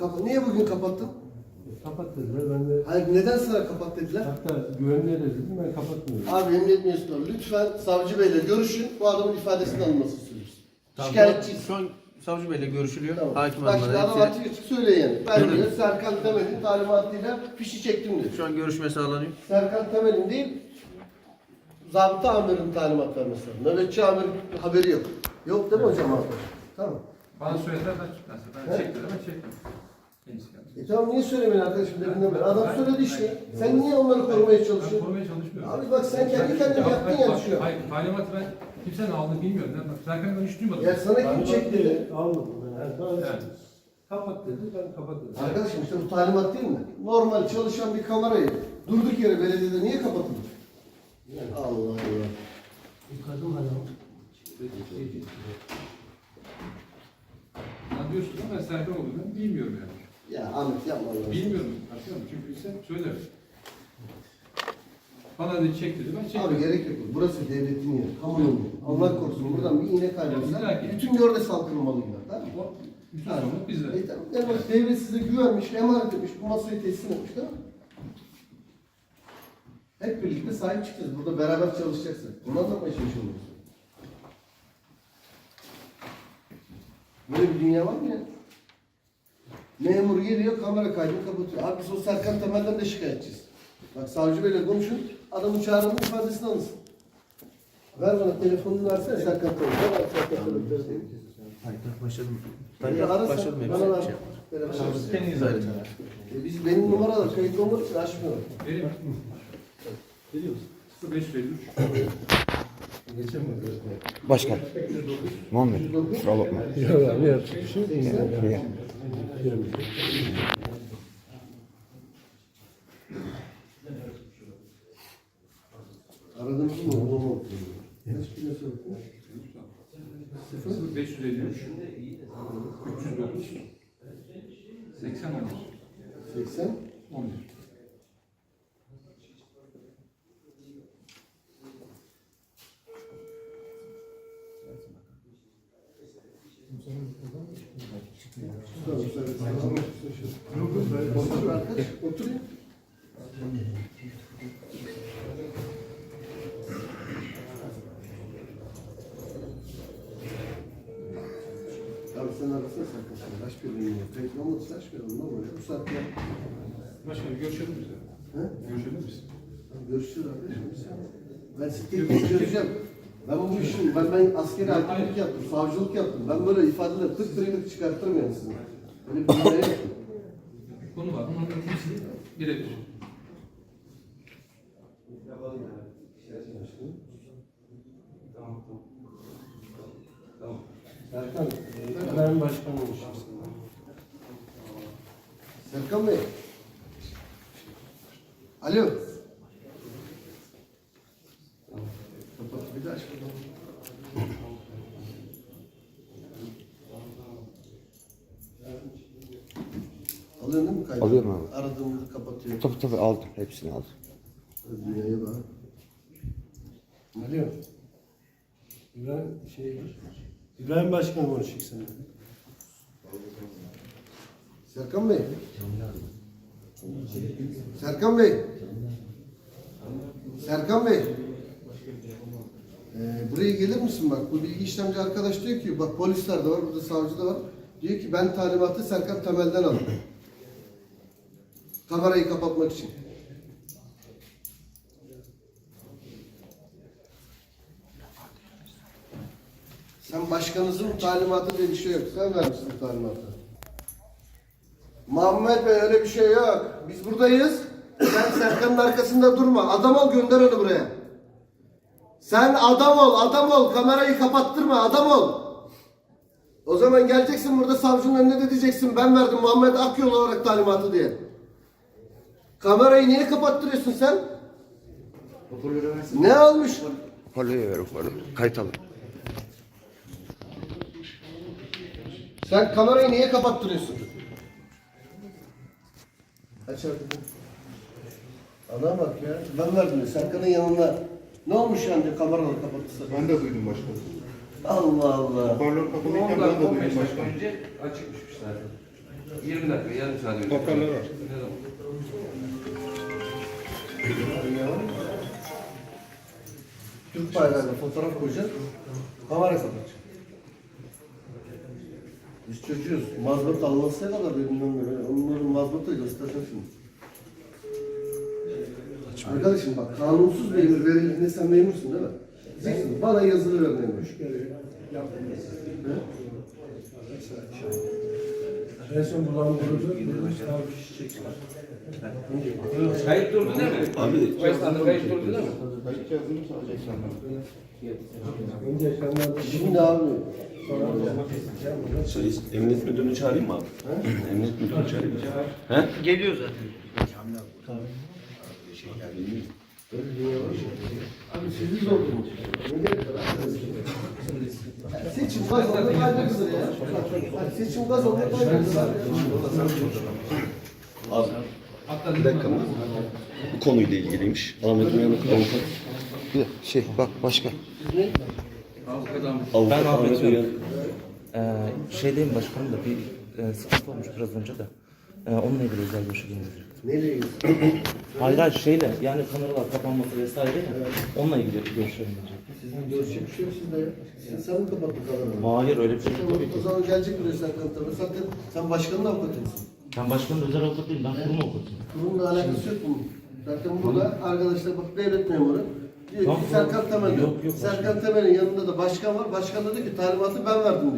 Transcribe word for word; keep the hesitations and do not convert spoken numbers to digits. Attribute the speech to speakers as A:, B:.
A: Kapa Niye bugün kapattın?
B: Kapat dediler, ben de...
A: Hayır, neden sana kapat dediler?
B: Hatta güvenliğe de dedim, ben kapatmıyorum.
A: Abi emniyet mensupları lütfen savcı beyle görüşün, bu adamın ifadesini alınmasını istiyoruz.
C: Tamam,
A: Şikayetçiyiz.
C: Şu an savcı beyle görüşülüyor.
A: Tamam.
C: Hakim
A: Bak şimdi
C: hanımla
A: adam
C: hepsi.
A: açık açık söylüyor yani. Ben diyor Serkan Temel'in talimatıyla fişi çektim diyor.
C: Şu an görüşme sağlanıyor.
A: Serkan Temel'in değil, zabıta amirin talimat vermesi lazım. Nöbetçi amirin haberi yok. Yok değil mi hocam abi? Tamam.
D: Bana söylediler ben tutmasın. Ben çektim ama çektim. Kendisi geldi.
A: E tamam, niye söylemeyin arkadaşım deminden beri? Adam söyledi işte. Sen niye onları korumaya
D: Ben
A: çalışıyorsun?
D: korumaya çalışmıyorum.
A: Abi bak sen kendi kendine yaptın ya şu an.
D: Hayır, talimatı ben kimsenin aldığını bilmiyorum. Ben Serkan'ı ben hiç duymadım.
A: Ya sana kim çekti dedi?
B: Almadım ben. Yani bana
D: Yani.
B: kapat dedi, ben kapat dedim.
A: Arkadaşım işte bu talimat değil mi? Normal çalışan bir kamerayı durduk yere belediyede niye kapatılır? Allah Allah.
B: Yıkadım hala.
D: Sen diyorsun ama ben Serkan olduğunu ben bilmiyorum yani.
A: Ya Ahmet yapma Allah'ını.
D: Bilmiyorum. Anlıyor musun? Çünkü ise söyler. Bana dedi çek dedi. Ben çektim.
A: Abi gerek yok. Burası devletin yeri. Kamunun yeri. Allah korusun buradan bir iğne kaybetsen
D: illaki.
A: bütün yörde salkınmalı gider. Değil mi?
D: O bütün sorumluluk bizde.
A: E tamam. Yani bak, devlet size güvenmiş, emanet etmiş, bu masayı teslim etmiş değil mi? Hep birlikte sahip çıkacağız. Burada beraber çalışacaksın. Bundan sonra çalışıyoruz. Böyle bir dünya var mı ya? Memur geliyor, kamera kaydını kapatıyor. Abi biz o Serkan Temel'den de şikayetçiyiz. Bak savcı beyle konuşun, adamın çağrının ifadesini alınsın. Ver bana telefonunu versene Serkan Temel'e. Ver Serkan Temel'e.
C: Hayır, başladım.
A: Ben
C: Ben
A: ararsan
C: başladım. Hepsi
A: bana ver.
C: bir şey yapar.
A: Telefon.
C: Kendiniz ayrı.
A: E biz benim numaralar kayıtlı olmak için açmıyorum.
D: Benim
B: Biliyor musun?
D: sıfır beş yüz elli üç.
B: Geçemiyorum.
E: Başkan. Muhammed. Kusura bakma.
B: Ya ne yapacak bir şey yok.
E: Ya.
A: Aradığımız mı? O mu? Kaç kilo sorun?
D: sıfır beş yüz elli üç. üç yüz dokuz. seksen on bir.
A: seksen.
D: on bir.
A: Otur arkadaş, otur ya. Abi sen arasana Serkan sen. Aç bir ürünü. Kayıtlı olmadıysa aç bir ürünü. Ne oluyor? Bu saatte ya.
D: Başkanım görüşelim biz.
A: He?
D: Görüşelim biz.
A: Görüşürüz arkadaşım. Ben sizi tek tek göreceğim. Ben bu işin, ben, ben askeri hakimlik yaptım, savcılık yaptım. Ben böyle ifadeler tık tık tık çıkartırım yani sizinle. Böyle bir dünyaya yaptım.
D: Konu var. Bunun hepsi birebir.
A: Tamam.
B: Serkan, ben başkan olmuşum.
A: Serkan Bey. Alo. Kapat bir de aç bakalım. Alıyorsun değil mi kaydı?
E: Alıyorum abi.
A: Aradığımızı kapatıyor.
E: Tabii tabii aldım. Hepsini aldım.
A: Dünyaya bak.
B: Alo. İbrahim, şey, İbrahim Başkan konuşacak seninle.
A: Serkan Bey. Serkan Bey. Serkan Bey. Ee, buraya gelir misin bak? Bu bilgi işlemci arkadaş diyor ki bak polisler de var, burada savcı da var. Diyor ki ben talimatı Serkan Temel'den aldım. Kamerayı kapatmak için. Sen başkanınızın talimatı diye bir şey yok. Sen vermişsin talimatı. Muhammed Bey öyle bir şey yok. Biz buradayız. Sen Serkan'ın arkasında durma. Adam ol, gönder onu buraya. Sen adam ol, adam ol. Kamerayı kapattırma, adam ol. O zaman geleceksin burada savcının önüne de diyeceksin. Ben verdim Muhammed Akyol olarak talimatı diye. Kamerayı niye kapattırıyorsun sen? Ne olmuş?
E: Parlayı ver ufaklığı. Kayıt alın.
A: Sen kamerayı niye kapattırıyorsun? Aç artık. Ana bak ya. Ben verdim ya. Serkan'ın yanında. Ne olmuş yani diyor, kameraları kapatırsa?
F: Ben de duydum başkanım.
A: Allah Allah.
F: Hoparlör kapalıyken ben de duydum başkanım.
D: önce açıkmış zaten. yirmi dakika, yarım saat önce.
B: Hoparlör var.
A: Türk bayrağıyla fotoğraf koyacağız. Kamera kapatacak. Biz çocuğuz. Mazbat almasına kadar bilmem ne. Onların mazbatı da göstereceğim şimdi. Arkadaşım bak, kanunsuz bir emir verildiğinde sen memursun değil mi? Diyeceksin, bana yazılı ver memur.
B: En son bulandırıldı. Kişi çektiler.
D: Kayıt durdu değil mi? Abi. Bu esnada kayıt durdu değil mi?
B: Önce ekranlarda
A: Şimdi abi,
F: Şey, emniyet müdürünü çağırayım mı abi? Emniyet müdürünü çağırayım. He?
C: Geliyor zaten.
A: abi sizi zor durmuş. Seçim gaz oldu kaybedilir ya. Seçim gaz oldu kaybedilir abi.
F: Abi. Bir dakika. Bu konuyla ilgiliymiş. Ahmet Uyanık avukat.
E: Bir de şey bak başkan.
F: Avukat
G: Ben Ahmet
F: Ahmet
G: Uyanık.
F: Uyanık.
G: Ee, şeydeyim başkanım da bir e, sıkıntı olmuş biraz önce de. Ee, onunla ilgili özel görüşe girmeyecek.
A: Nereye gidiyorsun?
G: Hayır hayır şeyle yani kameralar kapanması vesaire ya. Onunla ilgili görüşe girmeyecek.
A: Sizin görüşecek bir şey yok sizde ya. Siz- Sen mi kapattın kamerayı?
G: Hayır öyle bir şey yok tabii
A: O
G: ki.
A: zaman gelecek buraya Serkan tabii. Zaten sen başkanın avukatısın.
G: Ben başkanın özel avukat değilim, ben kurum avukatıyım.
A: Bununla alakası yok bunun. Zaten burada arkadaşlar bak devlet memuru. Diyor
G: Tamam,
A: ki Serkan Temel.
G: yok, yok,
A: Serkan Temel'in yanında da başkan var. Başkan da diyor ki talimatı ben verdim diyor.